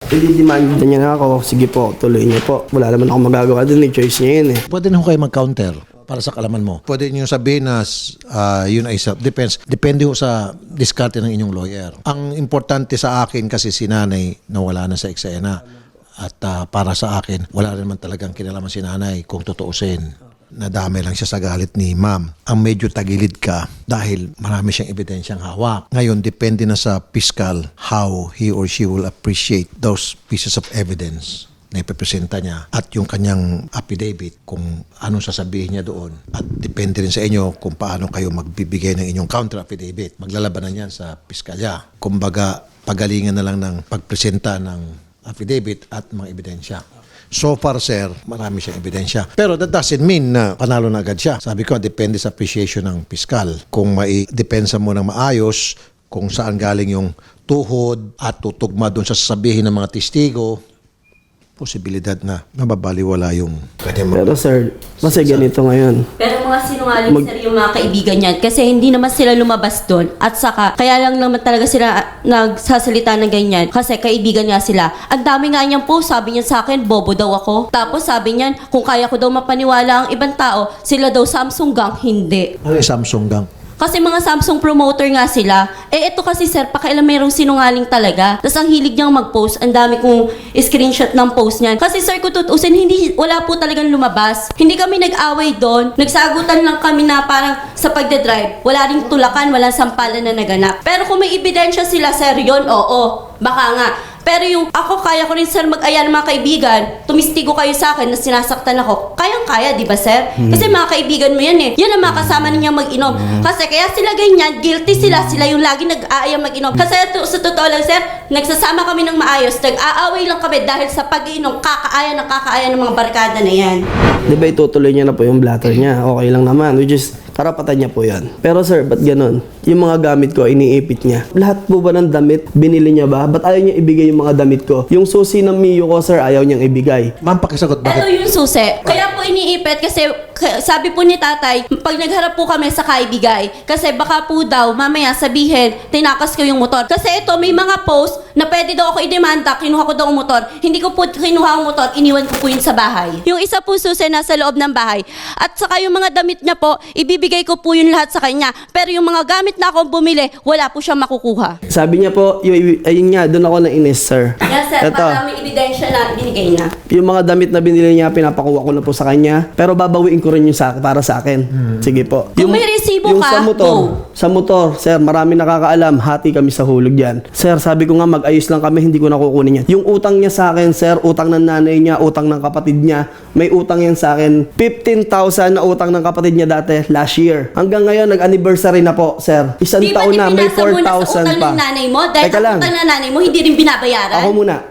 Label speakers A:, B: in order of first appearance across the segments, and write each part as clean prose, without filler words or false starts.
A: Hindi-demand niya na ako. Sige po, tuloy niyo po. Wala naman ako magagawa dun. Choice niya yun eh.
B: Pwede na ho kayo mag-counter para sa kalaman mo. Pwede niyo sabihin na yun ay self-defense. Depende ho sa diskarte ng inyong lawyer. Ang importante sa akin kasi si nanay nawala na sa eksena. At para sa akin, wala naman talagang kinalaman si nanay kung tutuusin. Nadamay lang siya sa galit ni ma'am. Ang medyo tagilid ka dahil marami siyang ebidensyang hawak. Ngayon, depende na sa fiscal how he or she will appreciate those pieces of evidence na ipipresenta niya at yung kanyang affidavit kung anong sasabihin niya doon. At depende rin sa inyo kung paano kayo magbibigay ng inyong counter affidavit. Maglalabanan yan sa piskalya. Kumbaga, pagalingan na lang ng pagpresenta ng affidavit at mga ebidensya. So far, sir, marami siyang ebidensya. Pero that doesn't mean na panalo na agad siya. Sabi ko, depende sa appreciation ng piskal. Kung maidepensa mo ng maayos, kung saan galing yung tuhod at tutugma doon sa sasabihin ng mga testigo, posibilidad na mababaliwala yung kanyang
A: Pero sir, kasi ganito ngayon.
C: Pero mga sinungaling sir yung mga kaibigan niyan kasi hindi naman sila lumabas doon at saka kaya lang naman talaga sila nagsasalita ng ganyan kasi kaibigan nga sila. Ang dami nga niyang post, sabi niya sa akin, bobo daw ako. Tapos sabi niyan, kung kaya ko daw mapaniwala ang ibang tao, sila daw Samsung gang, hindi.
B: Ano yung Samsung gang?
C: Kasi mga Samsung promoter nga sila. Eh ito kasi sir, pakailan mayroong sinungaling talaga. Tapos ang hilig niyang mag-post, ang dami kong screenshot ng post niyan. Kasi sir, kung tutusin, wala po talagang lumabas. Hindi kami nag-away doon. Nagsagutan lang kami na parang sa pagdadrive. Wala ring tulakan, walang sampalan na naganap. Pero kung may ebidensya sila sir, yun, oo. Baka nga. Pero yung ako, kaya ko rin sir mag-aya ng mga kaibigan, tumistigo kayo sa akin na sinasaktan ako. Kayang-kaya, di ba sir? Kasi mga kaibigan mo yan eh. Yan ang mga kasama ninyang mag-inom. Kasi kaya sila ganyan, guilty sila. Sila yung lagi nag-aaya mag-inom. Kasi sa totoo lang sir, nagsasama kami ng maayos. Nag-aaway lang kami dahil sa pag-inom, kakaaya ng mga barkada na yan.
A: Di ba itutuloy niya na po yung blatter niya? Okay lang naman. Which is, karapatan niya po yan. Pero sir, ba't ganun? Yung mga gamit ko, iniipit niya. Lahat po ba ng damit, binili niya ba? Ba't ayaw niya ibigay yung mga damit ko? Yung susi ng Mio ko, sir, ayaw niyang ibigay.
B: Ma'am, pakisagot,
C: Ito
B: bakit?
C: yung susi. Kaya po iniipit kasi sabi po ni tatay, pag nagharap po kami sa kaibigay, kasi baka po daw mamaya sabihin, tinakas ko yung motor. Kasi ito, may mga post na pwede daw ako idemanda, kinuha ko daw ang motor. Hindi ko po kinuha ang motor, iniwan ko po yun sa bahay. Yung isa po susi nasa loob ng bahay. At saka yung mga damit niya po, ibibigay ko po yun lahat sa kanya. Pero yung mga gamit na akong bumili, wala po siyang makukuha.
A: Sabi niya po, ayun nga, doon ako nainis, sir.
C: Yes sir,
A: Ito,
C: para may ebidensya na binigay na.
A: yung mga damit na binili niya, pinapakuha ko na po sa kanya. Pero babawiin ko rin yung para sa akin. Sige po.
C: Kung may resibo
A: yung
C: ka,
A: sa motor, sir, marami nakakaalam. Hati kami sa hulog yan. Sir, sabi ko nga, mag-ayos lang kami, hindi ko nakukunin yan. Yung utang niya sa akin, sir, utang ng nanay niya, utang ng kapatid niya, may utang yan sa akin. 15,000 na utang ng kapatid niya dati, last year. Hanggang ngayon, nag-anniversary na po, sir. Isang taon na, may 4,000 pa.
C: Ng nanay mo? Dahil
A: Teka lang.
C: ang utang ng nanay mo, hindi rin binabayaran?
A: Ako muna,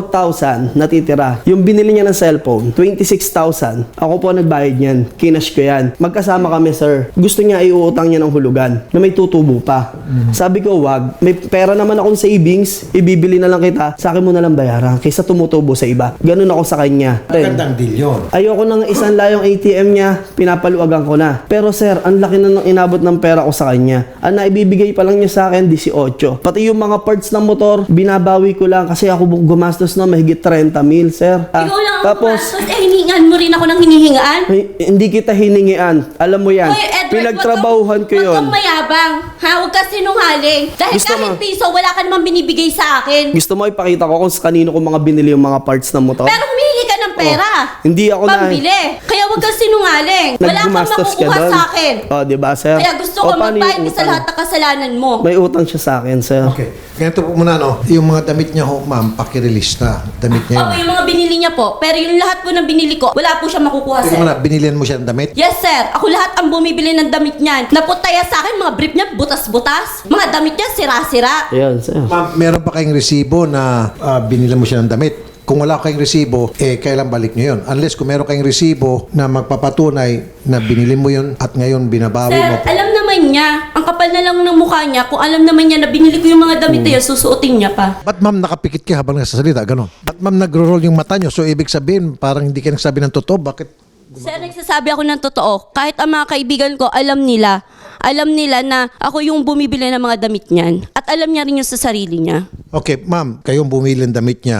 A: 4,000 natitira. Yung binili niya ng cellphone, 26,000. Ako po nagbayad niyan. Kinash ko yan. Magkasama kami, sir. Gusto niya iuutang niya ng hulugan na may tutubo pa. Sabi ko, wag. May pera naman akong savings. Ibibili na lang kita. Sa akin mo na lang bayaran kaysa tumutubo sa iba. Ganun ako sa kanya.
B: Magandang deal yun.
A: Ayoko nang isang layong ATM niya, pinapaluagan ko na. Pero sir, ang laki na nang inabot ng pera ko sa kanya. Ang naibibigay pa lang niya sa akin, 18. Pati yung mga parts ng motor, binabawi ko lang kasi ako gumastos na mahigit 30 mil, sir.
C: Ikaw lang ang
A: Tapos,
C: gumastos. Hiningan mo rin ako ng hinihingaan?
A: hindi kita hiningian. Alam mo yan.
C: Hoy, Edward,
A: Pinagtrabahuhan ko yun.
C: Huwag kang mayabang. Ha? Huwag ka sinungaling. Dahil
A: Gusto
C: kahit
A: mo?
C: piso, wala ka namang binibigay sa akin.
A: Gusto mo ipakita ko kung sa kanino ko mga binili yung mga parts ng motor?
C: Pero humihingi ka ng pera.
A: Hindi ako na.
C: Pambili. Kaya huwag kang sinungaling. Wala kang
A: Naggumastos ka
C: makukuha
A: doon.
C: sa akin.
A: Oh, di ba, sir?
C: Kaya gusto ko
A: O, paano
C: magbayad
A: yung
C: ka sa
A: utang?
C: lahat ng kasalanan mo.
A: May utang siya sa akin, sir.
B: Okay. Ganito po muna, no? Yung mga damit niya ho, ma'am, pakirelease na. Damit niya
C: Opo,
B: yun.
C: yung mga binili niya po. Pero yung lahat po ng binili ko, wala po siya makukuha,
B: Teka
C: sir.
B: muna, binilihan mo siya ng damit?
C: Yes, sir. Ako lahat ang bumibili ng damit niyan. Naputaya sa akin, mga brief niya, butas-butas. Mga damit niya, sira-sira.
A: Ayan, sir.
B: Ma'am, meron pa kayong resibo na binilihan mo siya ng damit? Kung wala kayong resibo, kailan balik nyo yun? Unless kung meron kayong resibo na magpapatunay na binili mo yun at ngayon binabawi
C: Sir,
B: mo po.
C: alam naman niya. Ang kapal na lang ng mukha niya. Kung alam naman niya na binili ko yung mga damit niya, susuotin niya pa.
B: Ba't ma'am nakapikit ka habang nagsasalita? Ganon. Ba't ma'am nagro-roll yung mata nyo? So ibig sabihin, parang hindi ka nagsabi ng totoo. Bakit?
C: Sir, nagsasabi ako ng totoo. Kahit ang mga kaibigan ko, alam nila na ako yung bumibili ng mga damit niyan. At alam niya rin yung sa sarili niya.
B: Okay, ma'am, kayong bumili ng damit niya.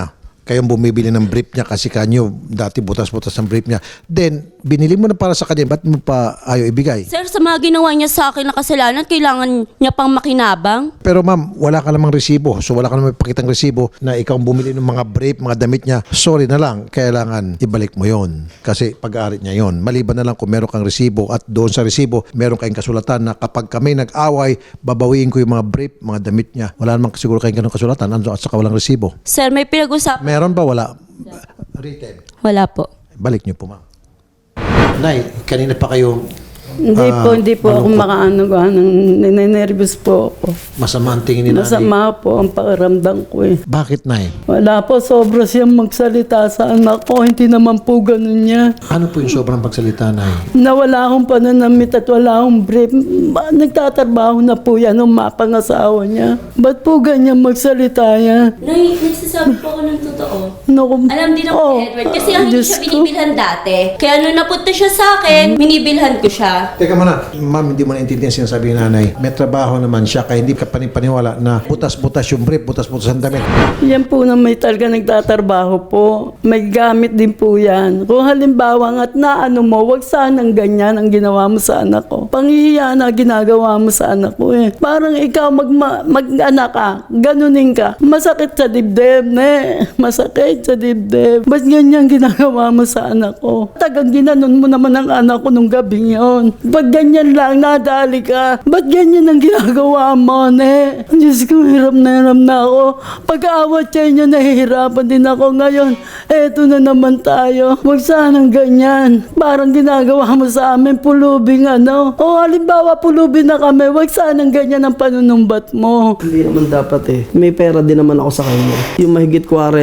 B: kayong bumibili ng brief niya kasi kanyo dati butas-butas ang brief niya. Then, binili mo na para sa kanya, ba't mo pa ayaw ibigay?
C: Sir, sa mga ginawa niya sa akin na kasalanan, kailangan niya pang makinabang?
B: Pero ma'am, wala ka namang resibo. So wala ka namang ipakitang resibo na ikaw ang bumili ng mga brief, mga damit niya. Sorry na lang, kailangan ibalik mo yon kasi pag-aari niya yon. Maliban na lang kung meron kang resibo at doon sa resibo, meron kayong kasulatan na kapag kami nag-away, babawiin ko yung mga brief, mga damit niya. Wala namang siguro kayong ganung kasulatan at saka walang resibo.
C: Sir, may pinag-usap.
B: Meron ba? Wala. Written.
C: Wala po.
B: Balik niyo po, ma'am. Nay, kanina pa kayo
D: Hindi po ako makaano-ano. Ninenervous po ako.
B: masama ang tingin ni nanay.
D: Masama po ang pakiramdam ko eh.
B: Bakit, Nay?
D: Wala po, sobra siyang magsalita sa anak ko. Hindi naman po ganun niya.
B: Ano po yung sobrang pagsalita, Nay?
D: Na wala akong pananamit at wala akong brief. Nagtatrabaho na po yan ng mapangasawa niya. Ba't po ganyan magsalita yan?
C: Nay, nagsasabi po ako ng totoo.
D: Naku,
C: Alam din ako ni Edward, kasi ang hindi
D: Diyos
C: siya
D: ko.
C: binibilhan dati. Kaya nung napunta siya sa akin, binibilhan ko siya.
B: Teka muna, ma'am, hindi mo naintindihan sinasabi ni nanay. May trabaho naman siya, kaya hindi ka panipaniwala na butas-butas yung brief, butas-butas ang damit.
D: Yan po na may talaga nagtatrabaho po. May gamit din po yan. Kung halimbawa nga't naano mo, wag sanang ganyan ang ginawa mo sa anak ko. Panghihiya na ginagawa mo sa anak ko eh. Parang ikaw mag-anak ka, ganunin ka. Masakit sa dibdib, ne. Masakit sa dibdib. Ba't ganyan ginagawa mo sa anak ko? Tagang ginanon mo naman ang anak ko nung gabing yon. Ba't ganyan lang, nadali ka? Ba't ganyan ang ginagawa mo, ne? Diyos ko, hirap na ako. Pag-aawat sa inyo, nahihirapan din ako ngayon. Eto na naman tayo. Huwag sanang ganyan. Parang ginagawa mo sa amin, pulubing ano. O halimbawa, pulubing na kami, huwag sanang ganyan ang panunumbat mo.
A: Hindi naman dapat eh. May pera din naman ako sa kanya. Yung mahigit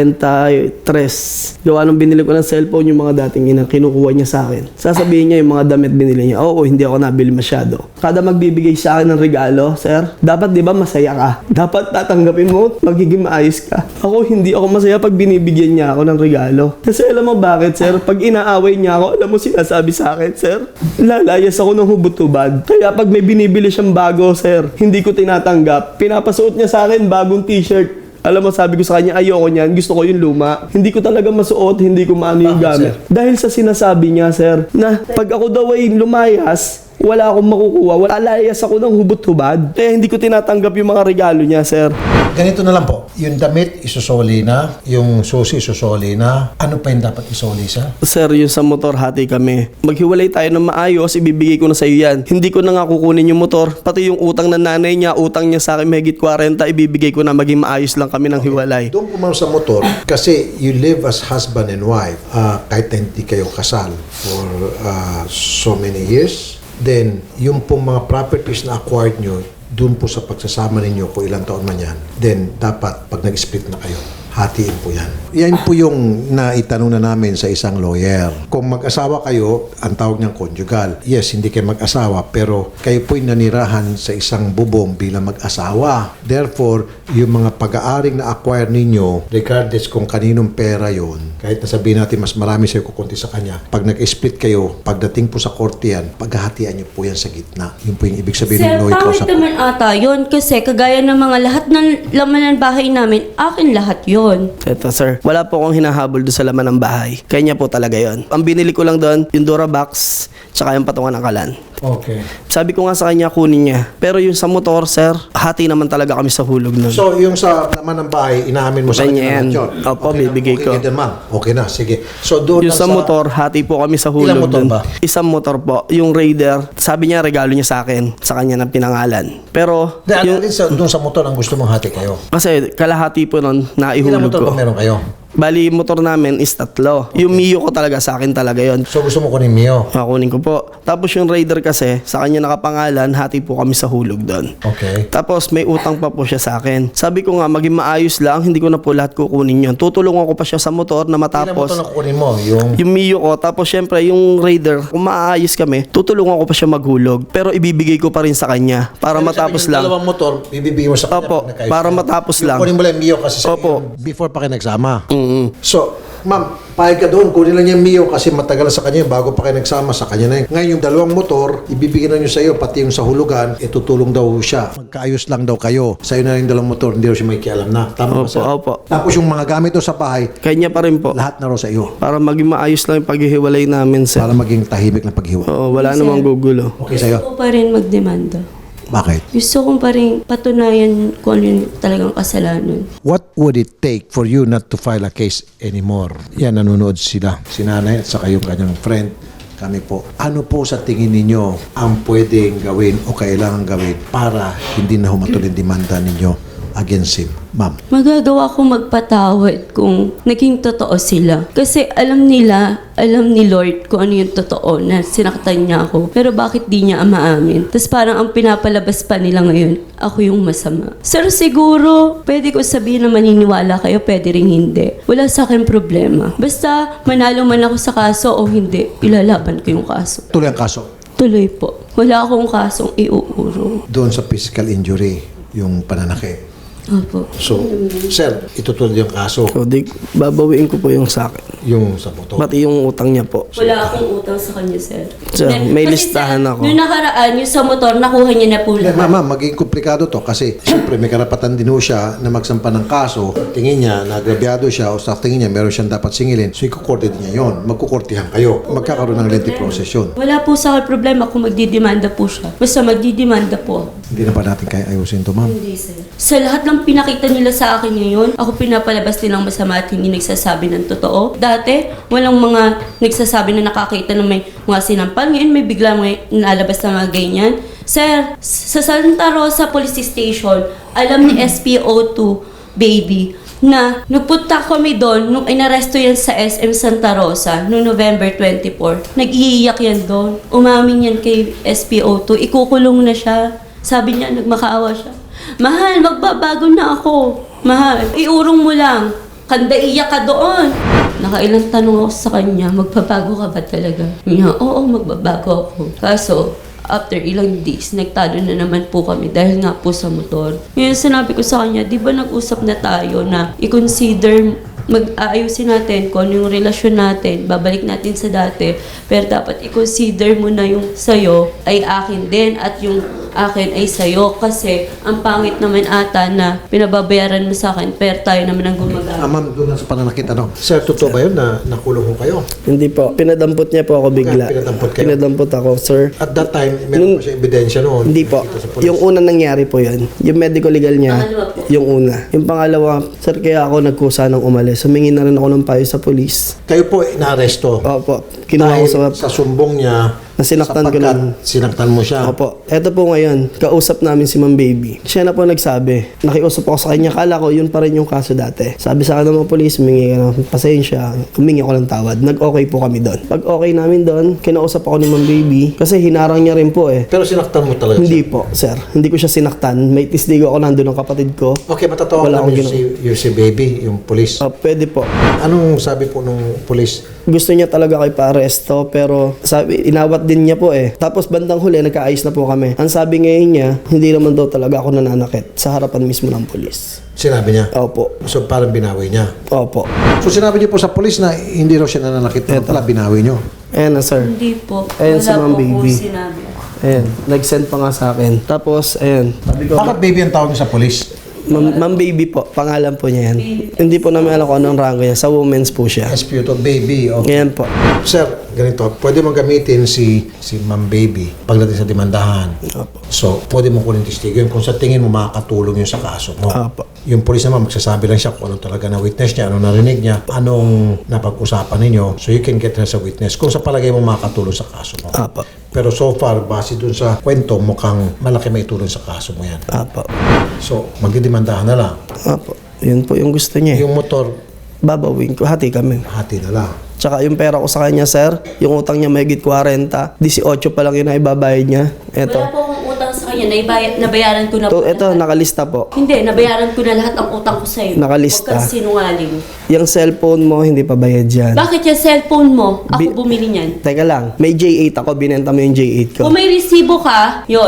A: 43, gawa nung binili ko ng cellphone yung mga dating kinukuha niya sa akin. Sasabihin niya yung mga damit binili niya. Oo, hindi ako nabili masyado. Kada magbibigay sa akin ng regalo, sir, dapat di ba masaya ka? Dapat tatanggapin mo, magiging maayos ka. Ako, hindi ako masaya pag binibigyan niya ako ng regalo. Kasi alam mo bakit, sir? Pag inaaway niya ako, alam mo sinasabi sa akin, sir? Lalayas ako ng hubot-hubad. Kaya pag may binibili siyang bago, sir, hindi ko tinatanggap. Pinapasuot niya sa akin bagong t-shirt. Alam mo, sabi ko sa kanya, ayoko niyan, gusto ko yung luma. Hindi ko talaga masuot, hindi ko maano yung gamit. Dahil sa sinasabi niya, sir, na pag ako daw ay lumayas, wala akong makukuha. Wala, layas ako ng hubot-hubad. Kaya hindi ko tinatanggap yung mga regalo niya, sir.
B: Ganito na lang po, yung damit isusoli na, yung susi isusoli na, ano pa yung dapat isoli sa?
A: Sir, yung sa motor, hati kami. Maghiwalay tayo ng maayos, ibibigay ko na sa iyo yan. Hindi ko na nga kukunin yung motor, pati yung utang ng nanay niya, utang niya sa akin mahigit 40, ibibigay ko na maging maayos lang kami ng hiwalay.
B: Doon po ma'am sa motor, kasi you live as husband and wife, kahit na hindi kayo kasal for so many years, then yung pong mga properties na acquired nyo, doon po sa pagsasama ninyo kung ilang taon man yan, then dapat pag nag-split na kayo, hatiin po yan. Yan po yung naitanong na namin sa isang lawyer. Kung mag-asawa kayo, ang tawag niyang conjugal. Yes, hindi kayo mag-asawa, pero kayo po'y nanirahan sa isang bubong bilang mag-asawa. Therefore, yung mga pag-aaring na-acquire ninyo, regardless kung kaninong pera yon, kahit nasabihin natin mas marami sa'yo kukunti sa kanya, pag nag-split kayo, pagdating po sa korte yan, paghahatian niyo po yan sa gitna. Yun po yung ibig sabihin
C: Sir,
B: ng lawyer
C: pangit
B: kausap.
C: naman ata yun kasi kagaya ng mga lahat ng laman ng bahay namin, akin lahat yun.
A: Eto, sir, wala po akong hinahabol doon sa laman ng bahay. Kanya po talaga yon. Ang binili ko lang doon, yung Durabox, tsaka yung patungan ng kalan.
B: Okay.
A: Sabi ko nga sa kanya, kunin niya. Pero yung sa motor, sir, hati naman talaga kami sa hulog nun.
B: So, yung sa laman ng bahay, inaamin mo sa
A: Kanya
B: kanya
A: yan.
B: na yun.
A: Opo,
B: Okay na,
A: bibigay
B: okay
A: ko.
B: din, ma'am. Okay na, sige. So, doon
A: Yung
B: lang
A: sa motor, hati po kami sa hulog
B: Ilang motor
A: dun.
B: ba?
A: Isang motor po. Yung Raider, sabi niya regalo niya sa akin. Sa kanya ng pinangalan. Pero,
B: Dahil
A: yung,
B: doon sa motor ang gusto mong hati kayo.
A: kasi kalahati po nun,
B: Ilang
A: naihulog
B: motor
A: ko.
B: ba meron kayo?
A: Bali, yung motor namin is 3. Yung Mio ko talaga, sa akin talaga yon.
B: So, gusto mo kunin Mio?
A: Kunin ko po. Tapos yung Raider kasi, sa kanya nakapangalan, hati po kami sa hulog doon.
B: Okay.
A: Tapos may utang pa po siya sa akin. Sabi ko nga, maging maayos lang, hindi ko na po lahat kukunin yun. Tutulungan ko pa siya sa motor na
B: Ilang motor
A: matapos
B: na kukunin mo? Yung
A: yung Mio ko. Tapos syempre yung Raider, kung maayos kami, tutulungan ko pa siya maghulog. Pero ibibigay ko pa rin sa kanya para matapos
B: yung
A: lang.
B: dalawang motor, bibigyan mo sa kanya.
A: Opo,
B: pag nagkaayos
A: para
B: kayo.
A: matapos
B: Yung
A: lang.
B: kunin mo lang yung Mio kasi sa
A: Opo.
B: before pa kayo nagsama.
A: Mm.
B: So, Ma'am, pahig ka doon. Kunin lang niya yung Mio kasi matagal na sa kanya. Bago pa kayo nagsama, sa kanya na yun. Ngayon, yung dalawang motor, ibibigyan na niyo sa iyo, pati yung sa hulugan, itutulong daw siya. Magkaayos lang daw kayo. Sa iyo na rin yung dalawang motor, hindi daw siya may kialam na. Tama ba,
A: Opo,
B: sir?
A: opo.
B: Tapos yung mga gamit doon sa bahay,
A: Kanya pa rin po.
B: lahat na raw sa iyo.
A: Para maging maayos lang yung paghihiwalay namin, sir.
B: Para maging tahimik na paghiwa.
A: Oo, wala namang gugulo.
B: Okay sa iyo?
C: Gusto ko pa rin magdemanda.
B: Bakit?
C: Gusto kong pa rin patunayan kung ano yung talagang kasalanan.
B: What would it take for you not to file a case anymore? Yan, nanonood sila. Si nanay at saka yung kanyang friend. Kami po. Ano po sa tingin ninyo ang pwedeng gawin o kailangan gawin para hindi na humatuloy yung demanda ninyo against him? Ma'am.
C: Magagawa ko magpatawad kung naging totoo sila. Kasi alam nila, alam ni Lord kung ano yung totoo na sinaktan niya ako. Pero bakit di niya maamin? Tapos parang ang pinapalabas pa nila ngayon, ako yung masama. Sir, siguro, pwede ko sabihin na maniniwala kayo, pwede rin hindi. Wala sa akin problema. Basta manalo man ako sa kaso o hindi, ilalaban ko yung kaso.
B: Tuloy ang kaso.
C: Tuloy po. Wala akong kasong iuurong.
B: Doon sa physical injury, yung pananakit.
C: Opo.
B: So, sir, itutuloy yung kaso.
A: So, babawiin ko po yung sa akin.
B: Yung sa motor.
A: Pati yung utang niya po.
C: Wala akong utang sa kanya, sir.
A: Sir, may listahan ako.
C: Nung nakaraan, yung sa motor, nakuha niya na po lahat.
B: Ma'am, magiging komplikado to kasi siyempre may karapatan din ho siya na magsampa ng kaso. Tingin niya, nagrabyado siya o sa tingin niya meron siyang dapat singilin. So, ikukorte din niya yun. Magkukortihan kayo. Magkakaroon ng lengthy process yun.
C: Wala po sa akin problema kung magdidemanda po siya. Basta magdidemanda po.
B: Hindi na ba natin kaya ayusin to, ma'am?
C: Hindi, sir. Sa lahat ng pinakita nila sa akin ngayon, ako pinapalabas nilang masama at hindi nagsasabi ng totoo. Dati, walang mga nagsasabi na nakakita ng may mga sinampal. Ngayon, may bigla may nalabas na mga ganyan. Sir, sa Santa Rosa Police Station, alam ni SPO2, baby, na nagpunta kami doon nung inaresto yan sa SM Santa Rosa noong November 24. Nag-iiyak yan doon. Umamin yan kay SPO2. Ikukulong na siya. Sabi niya, nagmakaawa siya. Mahal, magbabago na ako. Mahal, iurong mo lang. Kanda iyak ka doon. Nakailang tanong ako sa kanya, magbabago ka ba talaga? Niya, oo, magbabago ako. Kaso, after ilang days, nagtalo na naman po kami dahil nga po sa motor. Ngayon sinabi ko sa kanya, di ba nag-usap na tayo na i-consider mag-aayusin natin kung ano yung relasyon natin, babalik natin sa dati, pero dapat i-consider mo na yung sa'yo ay akin din at yung akin ay sa'yo kasi ang pangit naman ata na pinababayaran mo sa akin pero tayo naman ang gumagamit.
B: Ma'am, doon lang sa pananakit, ano? Sir, totoo ba yun na nakulong ho kayo?
A: Hindi po. Pinadampot niya po ako bigla.
B: Pinadampot kayo?
A: Pinadampot ako, sir.
B: At that time, meron pa siya ebidensya noon.
A: Hindi po.
B: Kita sa police.
A: Yung una nangyari po yun. Yung medical legal niya,
C: Pangalawa po.
A: yung una. Yung pangalawa, sir, kaya ako nagkusa ng umalis. Humingi na rin ako ng payo sa polis.
B: Kayo po inaaresto.
A: Opo. Kinuha ko
B: Dahil
A: sa...
B: sa sumbong niya,
A: Na sinaktan ko
B: sapagkat
A: lang.
B: sinaktan mo siya.
A: Opo. Eto po ngayon, kausap namin si Ma'am Baby. Siya na po nagsabi. Nakiusap ako sa kanya. Kala ko, yun pa rin yung kaso dati. Sabi sa akin ng mga polis, humingi ka ng pasensya. Humingi ako ng tawad. Nag-okay po kami doon. Pag okay namin doon, kinausap ako ni Ma'am Baby. Kasi hinarang niya rin po eh.
B: Pero sinaktan mo talaga
A: Hindi
B: siya.
A: po, sir. Hindi ko siya sinaktan. May tisdigo ako nandun ng kapatid ko.
B: Okay, matatawa
A: Wala
B: namin
A: akong
B: yung si baby, yung police.
A: Pwede po.
B: Anong sabi po nung police?
A: Gusto niya talaga kay pa-aresto pero sabi, inawat din niya po eh. Tapos bandang huli, nagkaayos na po kami. Ang sabi ngayon niya, hindi naman daw talaga ako nananakit sa harapan mismo ng polis.
B: Sinabi niya.
A: Opo.
B: So parang binawi niya.
A: Opo.
B: So sinabi niyo po sa police na hindi raw siya nananakit. Pero pala binawi niyo.
A: Ayan na, sir.
C: Hindi po.
A: Ayun si
C: Wala
A: Ma'am
C: po akong
A: Baby.
C: sinabi.
A: Ayan. Nag-send pa nga sa akin. Tapos, ayan. Sabi ko,
B: Bakit baby ang tawag niyo sa police?
A: Ma'am Baby po. Pangalan po niya yan. Hindi po namin alam kung anong rango niya. Sa women's po siya.
B: SPO to baby. Okay.
A: Ayan po.
B: Sir, ganito. Pwede mong gamitin si Ma'am Baby pagdating sa demandahan.
A: Opo.
B: So, pwede mo kunin testigo yun kung sa tingin mo makakatulong yun sa kaso mo.
A: Opo.
B: Yung police naman, magsasabi lang siya kung ano talaga na witness niya, ano narinig niya, anong napag-usapan ninyo. So, you can get her sa witness kung sa palagay mo makakatulong sa kaso mo.
A: Opo.
B: Pero so far, base dun sa kwento, mukhang malaki may tulong sa kaso mo yan.
A: Opo.
B: So, magdidemandahan na lang.
A: Opo. Yun po yung gusto niya.
B: Yung motor,
A: Babawin ko. Hati kami.
B: hati na lang.
A: Tsaka yung pera ko sa kanya, sir, yung utang niya mahigit 40, 18 pa lang yun na ibabayad niya. Ito.
C: Wala po akong utang sa kanya. Nabayaran ko na po.
A: Ito,
C: lahat.
A: nakalista po.
C: Hindi, nabayaran ko na lahat ng utang ko sa'yo.
A: Nakalista.
C: Huwag kang sinungaling.
A: Yung cellphone mo, hindi pa bayad yan.
C: Bakit yung cellphone mo? Ako
A: Bi-
C: bumili niyan.
A: Teka lang, may J8 ako, binenta mo yung J8 ko.
C: Kung may resibo ka, yon.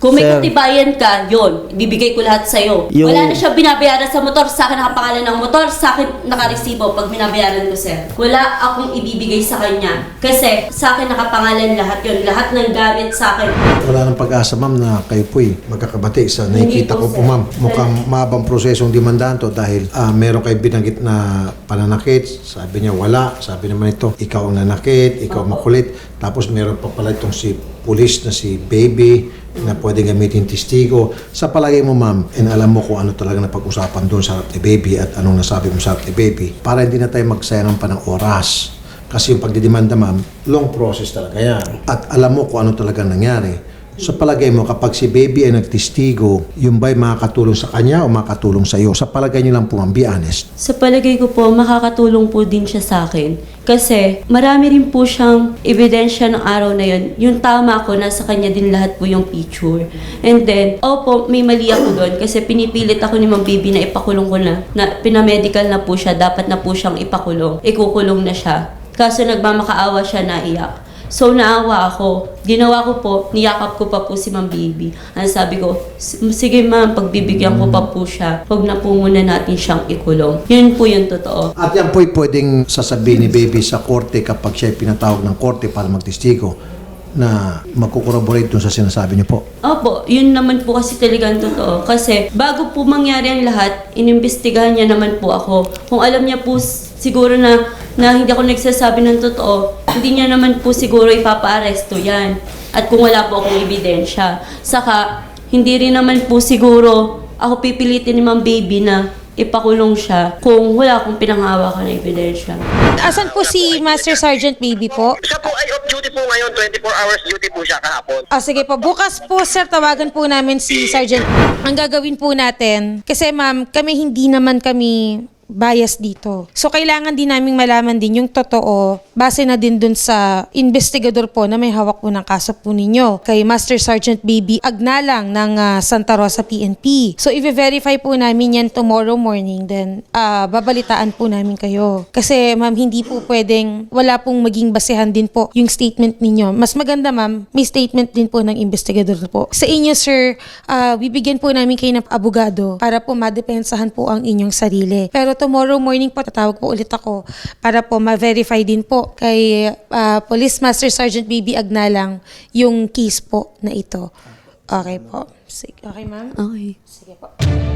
C: Kung may
A: Sir.
C: katibayan ka, yon, ibibigay ko lahat sa'yo.
A: Yung-
C: Wala na siya binabayaran sa motor, sa akin nakapangalan ng motor, sa akin nakaresibo pag binabayaran ko, sir. Wala akong ibibigay sa kanya. Kasi sa akin nakapangalan lahat yon, lahat ng gamit sa akin.
B: Wala nang pag-asa, ma'am, na kayo po'y magkakabati. Sa nakikita ko
C: Hindi po,
B: po,
C: sir.
B: ma'am, mukhang mahabang prosesong demandahan to dahil meron kayo binanggit na pananakit. Sabi niya wala. Sabi naman ito, ikaw ang nanakit, ikaw makulit. Tapos meron pa pala itong si police na si baby na pwede gamitin testigo. Sa palagay mo, ma'am, and alam mo kung ano talaga napag-usapan doon sa harap ni baby at anong nasabi mo sa harap ni baby, para hindi na tayo magsayangan pa ng oras. Kasi yung pagdidemanda, ma'am, long process talaga yan. At alam mo kung ano talaga nangyari. Sa palagay mo, kapag si baby ay nagtestigo, yung ba'y makakatulong sa kanya o makakatulong sa iyo? Sa palagay niyo lang po, ma'am, be honest.
C: Sa palagay ko po, makakatulong po din siya sa akin. Kasi marami rin po siyang ebidensya ng araw na yun. Yung tama ko, nasa kanya din lahat po yung picture. And then, opo, may mali ako doon. Kasi pinipilit ako ni Ma'am Baby na ipakulong ko na pinamedical na po siya, dapat na po siyang ipakulong. Ikukulong na siya. Kaso nagmamakaawa siya, naiyak. So, naawa ako. Ginawa ko po, niyakap ko pa po si Ma'am Baby. Ang sabi ko, sige ma'am, pagbibigyan ko pa po siya. Huwag na po muna natin siyang ikulong. Yun po yung totoo.
B: At yan po'y pwedeng sasabihin ni baby sa korte kapag siya pinatawag ng korte para magtestigo na magkukorroborate dun sa sinasabi niyo po.
C: Opo, yun naman po kasi talagang totoo. Kasi bago po mangyari ang lahat, inimbestigahan niya naman po ako. Kung alam niya po siguro na hindi ako nagsasabi ng totoo, hindi niya naman po siguro ipapa-aresto yan. At kung wala po akong ebidensya. Saka, hindi rin naman po siguro ako pipilitin ni Ma'am Baby na ipakulong siya kung wala akong pinanghawakan na ebidensya.
E: Asan po si Master Sergeant Baby po?
F: Siya po ay off duty po ngayon, 24 hours duty po siya kahapon.
E: Sige po, bukas po sir, tawagan po namin si Sergeant. Ang gagawin po natin, kasi ma'am, hindi naman kami bias dito. So, kailangan din naming malaman din yung totoo base na din dun sa investigador po na may hawak po ng kaso po ninyo. Kay Master Sergeant Baby Agnalang ng Santa Rosa PNP. So, i-verify po namin yan tomorrow morning. Then, babalitaan po namin kayo. Kasi, ma'am, hindi po pwedeng wala pong maging basehan din po yung statement ninyo. Mas maganda, ma'am, may statement din po ng investigador po. Sa inyo, sir, bibigyan po namin kayo ng abogado para po madepensahan po ang inyong sarili. Pero tomorrow morning po, tatawag po ulit ako para po ma-verify din po kay Police Master Sergeant Baby Agnalang yung case po na ito. Okay po. Sige. Okay, ma'am?
C: Okay.
E: Sige po.